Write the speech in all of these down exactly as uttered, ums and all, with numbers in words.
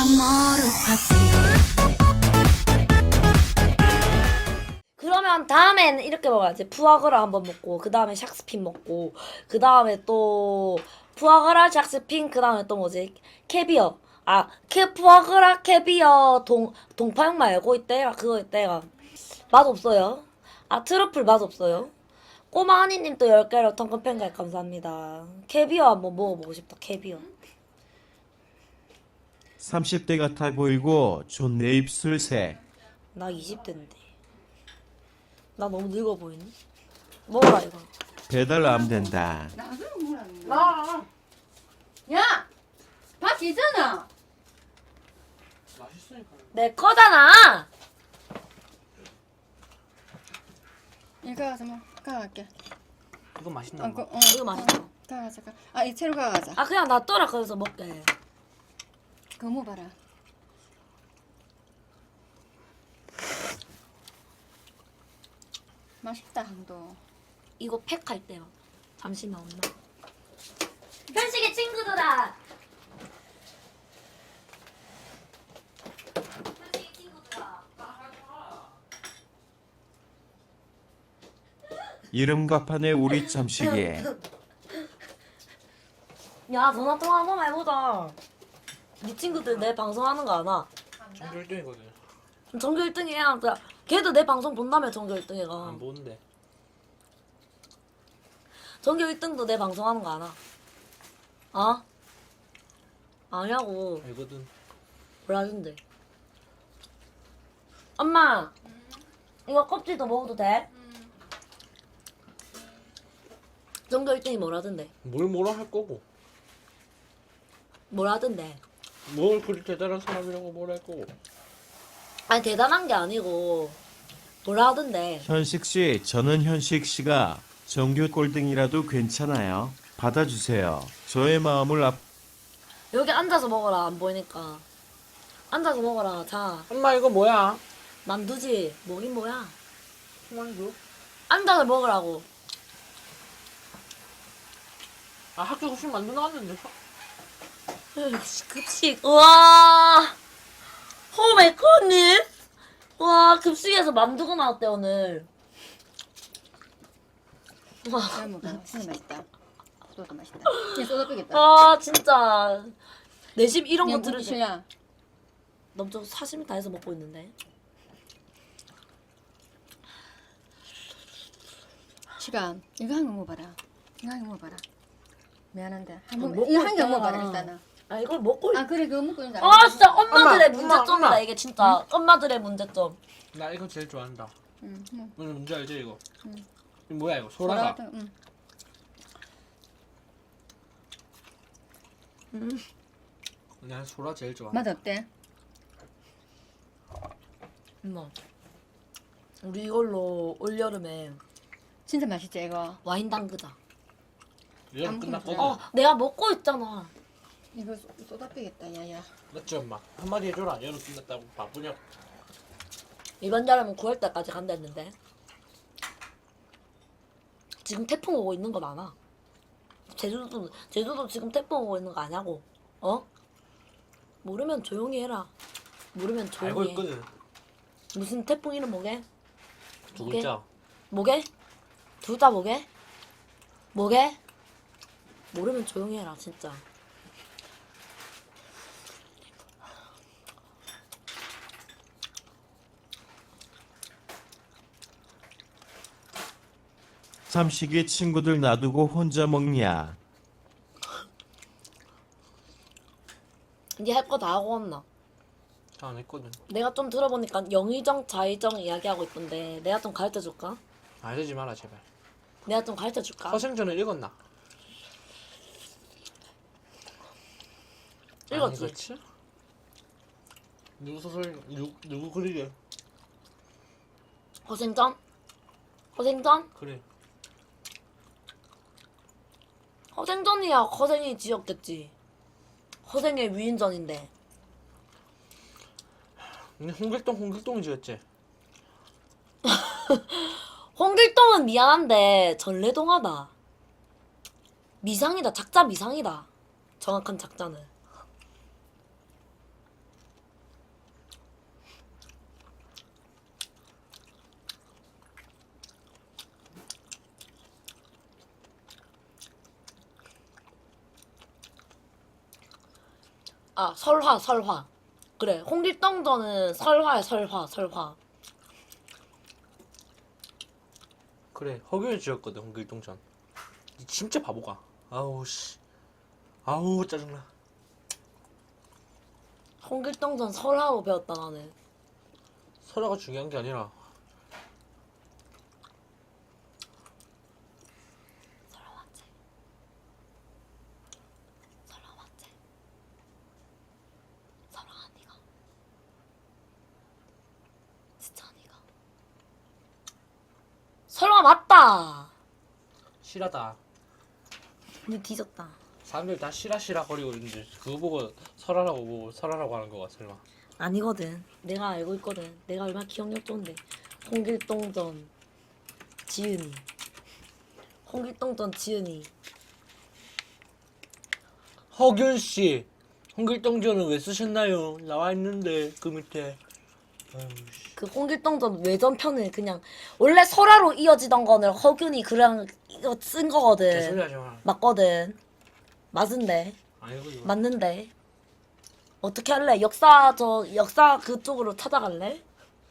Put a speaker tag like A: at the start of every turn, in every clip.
A: 그러면 다음엔 이렇게 먹어야지. 푸아그라 한번 먹고 그 다음에 샥스핀 먹고 그 다음에 또 푸아그라 샥스핀 그 다음에 또 뭐지? 캐비어. 아, 캐 푸아그라 캐비어 동 동파육 말고 이때가 그거 이때가 맛 없어요. 아, 트러플 맛 없어요. 꼬마 하니님 또 열 개로 텅큰 팬가입 감사합니다. 캐비어 한번 먹어보고 싶다. 캐비어.
B: 삼십 대 같아 보이고 좋네 입술색.
A: 나 이십 대인데. 나 너무 늙어 보이니? 먹어라 이거.
B: 배달 안 된다.
C: 나. 야, 밥 있잖아.
A: 내 거잖아.
C: 이거 가서 뭐 가갈게.
D: 이거 맛있나
C: 아,
D: 봐.
C: 그, 어,
A: 이거 맛있어.
C: 가가자. 가. 아, 이 채로 가가자.
A: 아 그냥 놔둬라 거기서 먹게.
C: 그거 뭐 봐라. 맛있다 항도.
A: 이거 팩할 때요. 잠시만 엄마. 현식의 친구들아. 현식의 친구들아.
B: 이름과 판에 우리 참식이.
A: 야 전화 통화 한 번만 해보자. 네 친구들 내 방송하는 거 아나?
D: 전교 일 등이거든.
A: 전교 일 등이야. 걔도 내 방송 본다며 전교 일 등이가.
D: 안 보는데.
A: 전교 일 등도 내 방송하는 거 아나? 어? 아냐고.
D: 알거든.
A: 몰라준대. 엄마, 이거 껍질도 먹어도 돼? 전교 일 등이 뭐라던데?
D: 뭘 뭐라 할 거고.
A: 뭐라던데?
D: 뭘 그리 대단한 사람이라고 뭐라 할 거고.
A: 아니 대단한 게 아니고 뭐라던데?
B: 현식 씨, 저는 현식 씨가 정규 꼴등이라도 괜찮아요. 받아주세요. 저의 마음을 앞.
A: 여기 앉아서 먹어라. 안 보이니까. 앉아서 먹어라. 자,
D: 엄마 이거 뭐야?
A: 만두지. 뭐긴 뭐야?
D: 만두?
A: 앉아서 먹으라고.
D: 아 학교 급식 만두 나왔는데.
A: 으이씨, 급식. 우와. 오 마이 갓님. 와, 급식에서 만두가 나왔대 오늘. 와.
C: 잘 먹어. 진짜 맛있다. 소도 맛있다. 얘 소다 빼겠다.
A: 아 진짜 내 집 이런 거
C: 그냥
A: 들을
C: 무기
A: 때
C: 실려.
A: 넘쳐 사심이 다 해서 먹고 있는데.
C: 시간. 이거 한 개 먹어봐라. 이거 한 개 먹어봐라. 미안한데. 한
A: 아,
C: 번,
A: 먹고
C: 이거 한 개
A: 있잖아.
C: 먹어봐라 일단은.
A: 아 이걸 먹고 있...
C: 아 그래 그거 먹고 있는
A: 아 진짜 엄마들의
D: 엄마,
A: 문제점이다.
D: 엄마, 엄마.
A: 이게 진짜 엄마들의 문제점.
D: 나 이거 제일 좋아한다.
C: 응. 응.
D: 오늘 문제 알지 이거?
C: 응.
D: 이거 뭐야 이거?
C: 소라
D: 소라가.
C: 같은 거, 응.
D: 난 소라 제일 좋아.
C: 맛 어때?
A: 엄마 우리 이걸로 올 여름에
C: 진짜 맛있지 이거.
A: 와인 담그자.
D: 이거
C: 아무튼
D: 끝났거든.
A: 어 내가 먹고 있잖아.
C: 이거 소- 소다 빼겠다 야야.
D: 맞지 엄마? 한마디 해줘라. 여름 끝났다고 바쁘냐?
A: 이번 여름은 구월 달까지 간다 했는데 지금 태풍 오고 있는 거 많아. 제주도 제주도 지금 태풍 오고 있는 거 아냐고. 어? 모르면 조용히 해라. 모르면
D: 알고
A: 조용히 해.
D: 있거든.
A: 무슨 태풍 이름 뭐게?
D: 두
A: 오케이.
D: 글자.
A: 뭐게? 둘 다 뭐게? 뭐게? 모르면 조용히 해라 진짜.
B: 참식이 친구들 놔두고 혼자 먹냐.
A: 이제 할 거 다 하고 왔나?
D: 다 안 했거든.
A: 내가 좀 들어보니까 영의정, 자의정 이야기하고 있던데 내가 좀 가르쳐 줄까?
D: 알지 마라 제발.
A: 내가 좀 가르쳐 줄까?
D: 허생전을 읽었나?
A: 읽었지?
D: 안 읽었지? 누구 소설 누구 누구 글이래?
A: 허생전? 허생전?
D: 그래.
A: 허생전이야. 허생이 지었겠지. 허생의 위인전인데.
D: 근데 홍길동 홍길동이 지었지.
A: 홍길동은 미안한데 전래동화다. 미상이다. 작자 미상이다. 정확한 작자는. 아 설화 설화. 그래 홍길동전은 설화야 설화 설화.
D: 그래 허균이 지었거든 홍길동전. 이 진짜 바보가. 아우 씨. 아우 짜증나.
A: 홍길동전 설화로 배웠다 나는.
D: 설화가 중요한 게 아니라
A: 설화 맞지? 설화 맞지? 설화 아니가? 진짜 아니가? 설화 맞다.
D: 실하다.
A: 근데 뒤졌다.
D: 사람들 다 실화 실화 거리고 있는데 그거 보고 설화라고 보고 설화라고 하는 거가 설마.
A: 아니거든. 내가 알고 있거든. 내가 얼마나 기억력 좋은데. 홍길동전 지은이. 홍길동전 지은이.
D: 허균 씨, 홍길동전은 왜 쓰셨나요? 나와 있는데 그 밑에. 아유 씨.
A: 그 홍길동전 외전편을 그냥 원래 설화로 이어지던 거는 허균이 그냥 이거 쓴
D: 개소리
A: 거거든.
D: 하지 마.
A: 맞거든. 맞은데.
D: 아니고 이거.
A: 맞는데. 어떻게 할래? 역사 저 역사 그쪽으로 찾아갈래?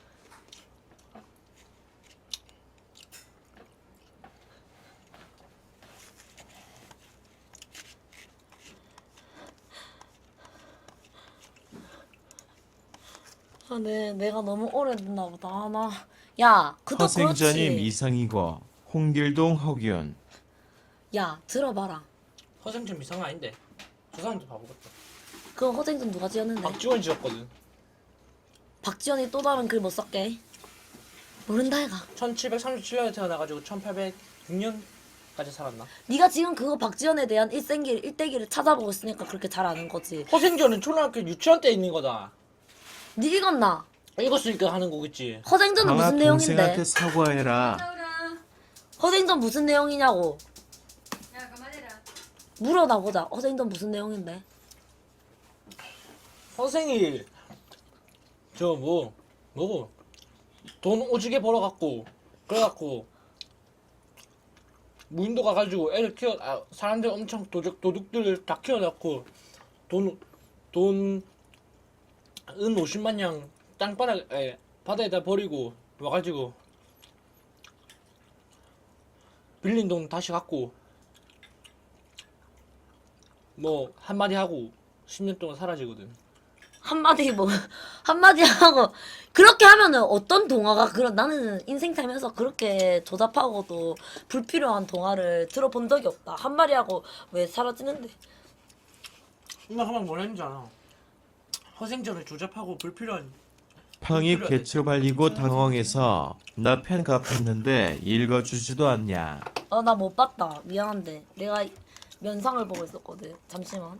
A: 아, 네, 내가 너무 오래됐나 보다. 아, 나, 야, 그도
B: 허생전임
A: 그렇지.
B: 이상이고 홍길동 허균.
A: 야, 들어봐라.
D: 허생전 이상은 아닌데. 저 사람도 바보 같다.
A: 그 허생전 누가 지었는데?
D: 박지원 지었거든.
A: 박지원이 또 다른 글 못 썼게. 모른다 얘가.
D: 천칠백삼십칠 년에 태어나가지고 천팔백육 년까지 살았나?
A: 네가 지금 그거 박지원에 대한 일생길 일대기를 찾아보고 있으니까 그렇게 잘 아는 거지.
D: 허생전은 초등학교 유치원 때 있는 거다.
A: 네 읽었나?
D: 읽었으니까 하는 거겠지.
A: 허생전은
B: 강아
A: 무슨
B: 동생한테
A: 내용인데?
B: 사과해라.
C: 나오라.
A: 허생전 무슨 내용이냐고.
C: 야 그만해라.
A: 물어나 보자. 허생전 무슨 내용인데?
D: 허생이 저 뭐 뭐고 돈 오지게 벌어갖고 그래갖고 무인도 가가지고 애를 키워 아, 사람들 엄청 도둑 도둑들 다 키워놓고 돈 돈 은 오십만 냥 땅바닥에 바다에다 버리고 와가지고 빌린 돈 다시 갚고 뭐 한마디 하고 십 년 동안 사라지거든.
A: 한마디 뭐 한마디 하고 그렇게 하면은 어떤 동화가 그런 나는 인생 살면서 그렇게 조잡하고도 불필요한 동화를 들어본 적이 없다. 한마디 하고 왜 사라지는데?
D: 나 한번 뭘 했는지 알아. 허생전을 조잡하고 불필요한
B: 팡입 개초 발리고 당황해서 나 팬 갚았는데 읽어주지도 않냐.
A: 어 나 못 봤다. 미안한데 내가 면상을 보고 있었거든. 잠시만.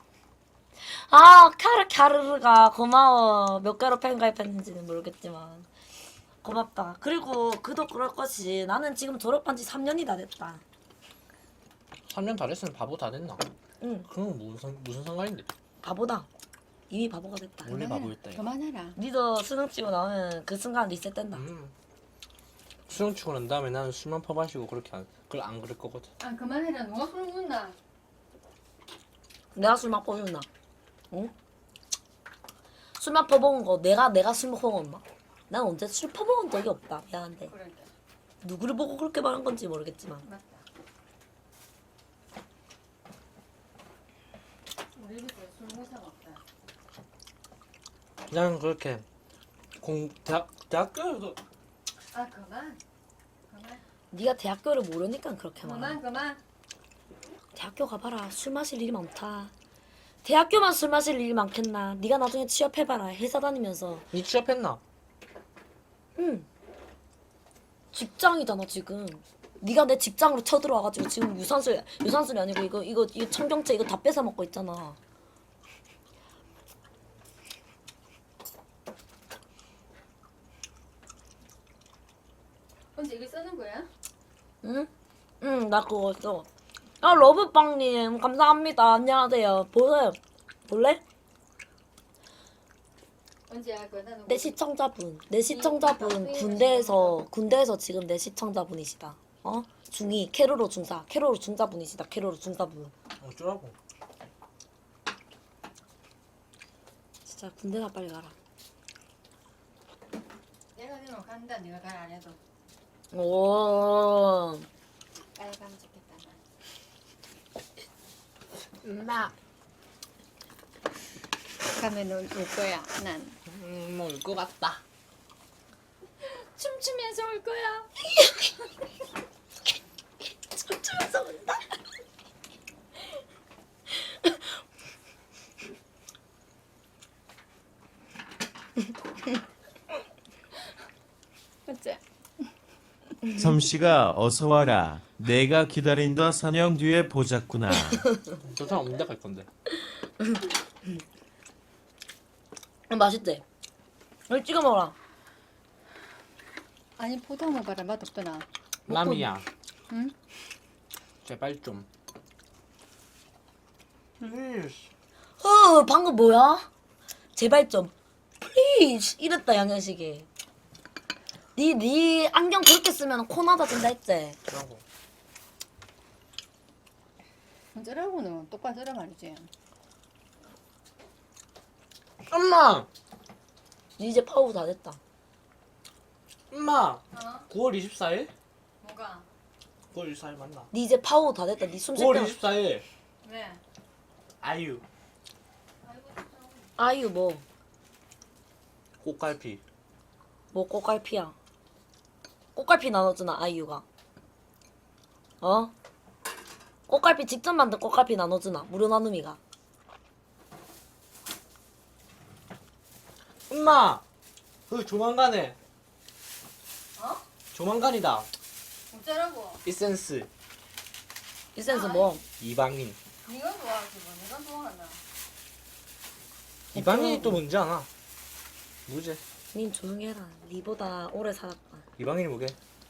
A: 아 캬르 캬르르가 고마워. 몇 개로 팬 가입했는지는 모르겠지만 고맙다. 그리고 그도 그럴 것이 나는 지금 졸업한 지 삼 년이 다 됐다.
D: 삼 년 다 됐으면 바보 다 됐나?
A: 응
D: 그건 무슨 상- 무슨 상관인데?
A: 바보다. 이미 바보가 됐다.
D: 원래 바보였다. 이거.
C: 그만해라.
A: 니도 수능 치고 나오면 그 순간 리셋된다.
D: 음. 수능 치고 난 다음에 나는 술만 퍼마시고 그렇게 안 그걸 안 그럴 거거든.
C: 아 그만해라. 누가 술 먹는다.
A: 내가 술 맛보였나? 응? 술 맛퍼먹은 거 내가 내가 술 먹었나? 난 언제 술 퍼먹은 적이 없다. 미안한데
C: 그러니까
A: 누구를 보고 그렇게 말한 건지 모르겠지만
C: 맞다. 우리 집에 술 먹는 사람 없다.
D: 나는 그렇게 공 대학 대학교에서
C: 아 그만. 그만.
A: 네가 대학교를 모르니까 그렇게
C: 그만
A: 말해.
C: 그만.
A: 대학교 가봐라. 술 마실 일이 많다. 대학교만 술 마실 일이 많겠나? 네가 나중에 취업해봐라. 회사 다니면서.
D: 니 취업했나?
A: 응. 직장이잖아 지금. 네가 내 직장으로 쳐들어와가지고 지금 유산술 유산술이 아니고 이거 이거 이거 청경채 이거 다 뺏어 먹고 있잖아.
C: 언제 이거 쓰는 거야?
A: 응? 응, 나 그거 써. 아, 러브빵님, 감사합니다. 안녕하세요. 보세요. 볼래?
C: 언제 할 거야? 나는
A: 내 시청자분. 내 시청자분 군대에서, 군대에서 지금 내 시청자분이시다. 어? 중이, 캐로로 중사. 캐로로 중사분이시다. 캐로로 중사분.
D: 어쩌라고?
A: 진짜 군대나 빨리 가라.
C: 내가 니는 간다. 네가 갈 안 해도.
A: 오.
C: 빨리 가면 좋겠다.
D: 엄마.
C: 가면은 올 거야. 난
D: 음, 올것 같다.
C: 춤추면서 올 거야.
A: 춤추면서 온다.
C: 어째?
B: 섬씨가 어서 와라. 내가 기다린다 사냥 뒤에 보자꾸나.
D: 저 사람 언제 갈 건데?
A: 음, 맛있대. 여기 찍어 먹어라.
C: 아니 포도 먹어라. 맛없더나.
D: 남이야.
C: 응?
D: 제발 좀. 플리즈.
A: 어, 방금 뭐야? 제발 좀. 플리즈. 이랬다, 양현식이. 니, 니 안경 그렇게 쓰면 코 낮아진다 했지?
D: 그러고.
C: 어쩌라고는 똑바로 쓰라 말이지.
D: 엄마!
A: 니 이제 파우 다 됐다.
D: 엄마!
C: 어?
D: 구월 이십사일?
C: 뭐가?
D: 구월 이십사일 맞나?
A: 니 이제 파우 다 됐다. 니 숨 쉴
D: 구월
A: 때.
D: 이십사일
C: 왜?
D: 아이유
A: 아유, 뭐.
D: 꽃갈피.
A: 뭐 꽃갈피야. 꽃갈피 나눠주나, 아이유가. 어? 꽃갈피 직접 만든 꽃갈피 나눠주나, 무료 나눔이가.
D: 엄마! 그 조만간에
C: 어?
D: 조만간이다.
C: 어쩌라고?
D: 이센스
A: 이 센스 뭐?
D: 이방인.
C: 네가 좋아하지 뭐. 내가 좋아하나.
D: 이방인이 또 뭔지 아나? 뭐지?
A: 님 조용히 해라. 니보다 오래 살았다.
D: 이방인이 뭐게?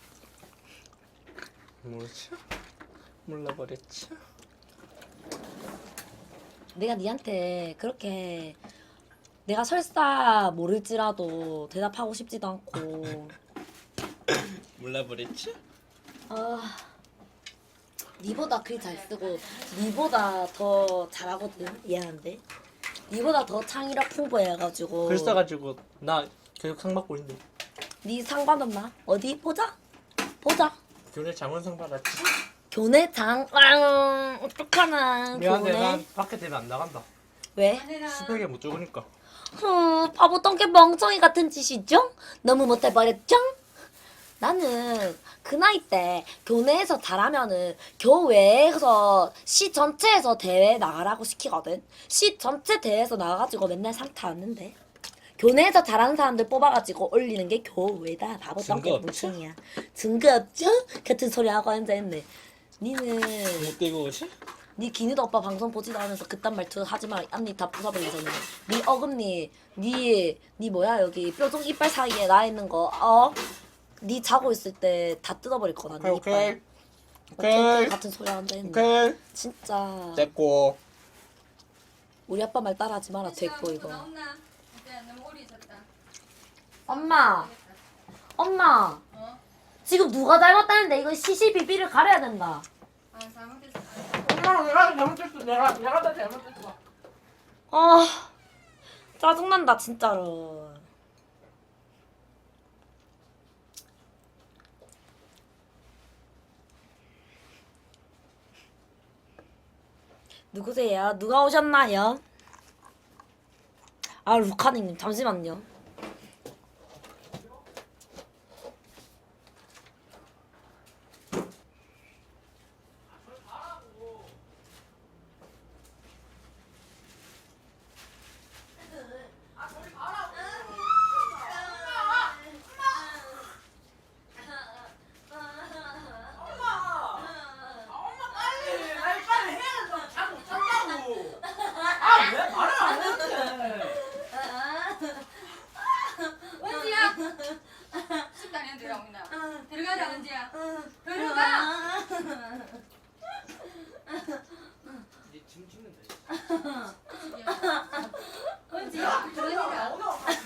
D: 모르지? 몰라버렸지?
A: 내가 니한테 그렇게 내가 설사 모를지라도 대답하고 싶지도 않고
D: 몰라버렸지?
A: 아 니보다 글 잘 쓰고 니보다 더 잘하거든. 미안한데 니보다 더 창의력 풍부해가지고
D: 글 써가지고 나 계속 상 받고 있는데
A: 니 상 받았나? 어디 보자 보자
D: 교내 장원상 받았지?
A: 교내장 왕 어떡하나
D: 미안해
A: 교내
D: 난 밖에 되면 안 나간다.
A: 왜?
D: 스펙에 못 적으니까.
A: 후, 바보 똥개 멍청이 같은 짓이죠? 너무 못해버렸죠? 나는 그 나이 때 교내에서 잘하면은 교외에서 시 전체에서 대회 나가라고 시키거든. 시 전체 대회에서 나가가지고 맨날 상 타왔는데 교내에서 잘하는 사람들 뽑아가지고 올리는 게 교외다. 바보
D: 증거
A: 똥개
D: 없지?
A: 멍청이야. 증거 없죠? 같은 소리 하고 앉아있네. 니는
D: 못 되고 오지?
A: 니 기니도 오빠 방송 보지도 않으면서 그딴 말투 하지 마라. 앞니 다 부숴버리겠네. 니 어금니, 니, 니 뭐야 여기 뾰족 이빨 사이에 나 있는 거, 어? 니 자고 있을 때 다 뜯어버릴 거다. 니
D: 오케이
A: 이빨.
D: 오케이
A: 오케이,
D: 오케이
A: 같은 소리 한다 했네.
D: 오케이
A: 진짜
D: 됐고.
A: 우리 아빠 말 따라하지 마라. 됐고 이거.
C: 나온나? 이제 너무 오래 있었다.
A: 엄마, 엄마.
C: 어?
A: 지금 누가 잘못했는데 이거 시시비비를 가려야 된다.
C: 아 잘못했어.
D: 엄마 내가 잘못했어. 내가 내가 다 잘못했어.
A: 아, 짜증난다 진짜로. 누구세요? 누가 오셨나요? 아, 루카님 잠시만요.
C: 은지야. 식당에 들어오나. 들어가자 은지야. 들어가.
D: 이제 짐 찍는다.
C: 은지야 들어가자.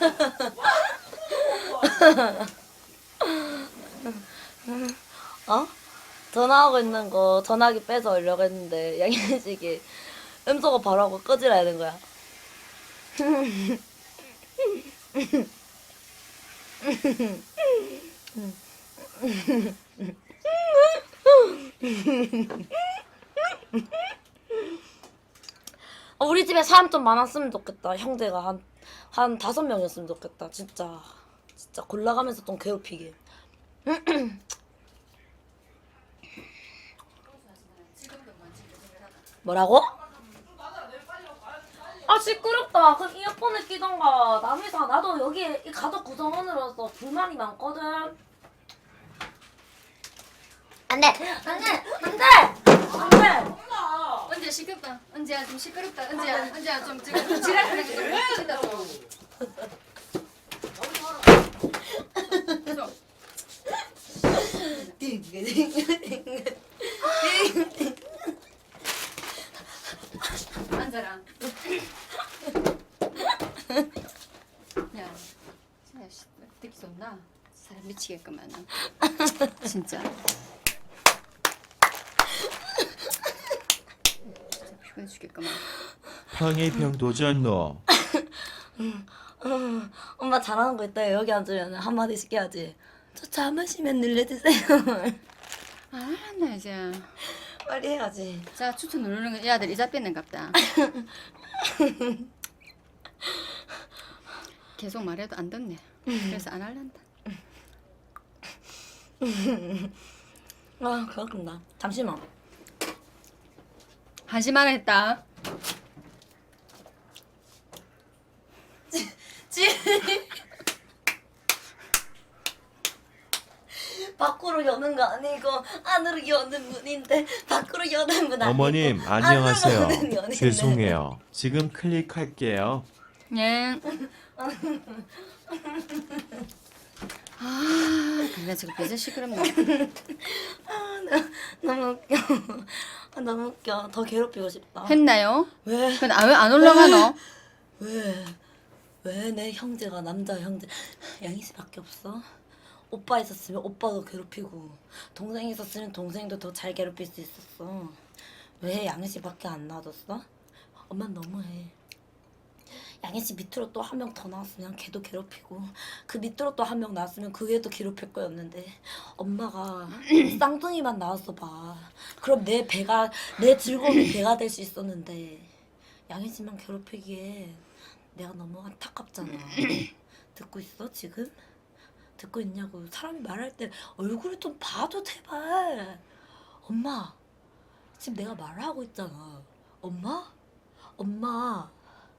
A: 어? 전화하고 있는 거 전화기 빼서 오려고 했는데 양현식이 음소거 바로 하고 꺼지라 하는 거야. 어, 우리 집에 사람 좀 많았으면 좋겠다. 형제가 한, 한 다섯 명이었으면 좋겠다. 진짜. 진짜 골라가면서 좀 괴롭히게. 뭐라고? 아 시끄럽다. 그럼 이어폰을 끼던가. 남이사 나도 여기 이 가족 구성원으로서 불만이 많거든. 안돼, 안돼, 안돼, 안돼.
C: 언제 시끄럽다. 언제야 좀 시끄럽다. 언제야 언제야 좀 지금 좀 지랄하는 거 좀 진짜 좀. 앉아라. 야, 진짜 씨, 듣기 좋나? 사람 미치겠구만. 진짜. 진짜 피곤해 죽겠구만.
B: 황해병 도전노.
A: 엄마 잘하는 거 있다. 여기 앉으면 한마디씩 해야지. 저 차 마시면 늘려주세요.
C: 아, 알았나 이제.
A: 빨리 해야지.
C: 자, 추천 누르는 거 얘들 이자 뺏는갑다. 계속 말해도 안 듣네. 그래서 안 할란다.
A: 아 그렇구나. 잠시만.
C: 한시만 했다.
A: 지 밖으로 여는 거 아니고 안으로 여는 문인데 밖으로 여는 문 아니고
B: 어머님
A: 안으로
B: 안녕하세요.
A: 여는 문인데.
B: 죄송해요. 지금 클릭할게요.
C: 예. 아, 그래 지금 배제 시끄럽네.
A: 아, 나, 너무 웃겨. 아, 너무 웃겨. 더 괴롭히고 싶다.
C: 했나요?
A: 왜?
C: 근데 아, 왜안 올라가노?
A: 왜? 왜 내 형제가 남자 형제 양희 씨밖에 없어? 오빠 있었으면 오빠도 괴롭히고 동생 있었으면 동생도 더 잘 괴롭힐 수 있었어. 왜 양희 씨밖에 안 놔뒀어? 엄마 너무해. 양희 씨 밑으로 또 한 명 더 나왔으면 걔도 괴롭히고 그 밑으로 또 한 명 나왔으면 그 애도 괴롭힐 거였는데 엄마가 쌍둥이만 나왔어 봐. 그럼 내 배가 내 즐거움이 배가 될 수 있었는데 양희 씨만 괴롭히기에 내가 너무 안타깝잖아. 듣고 있어 지금? 듣고 있냐고. 사람이 말할 때 얼굴을 좀 봐도 제발. 엄마 지금 내가 말하고 있잖아. 엄마? 엄마.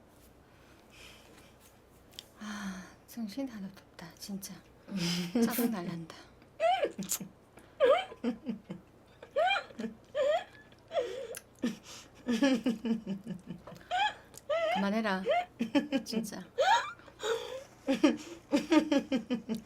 C: 아, 정신 하나도 없다 진짜. 짜증 날란다. 그만해라 진짜.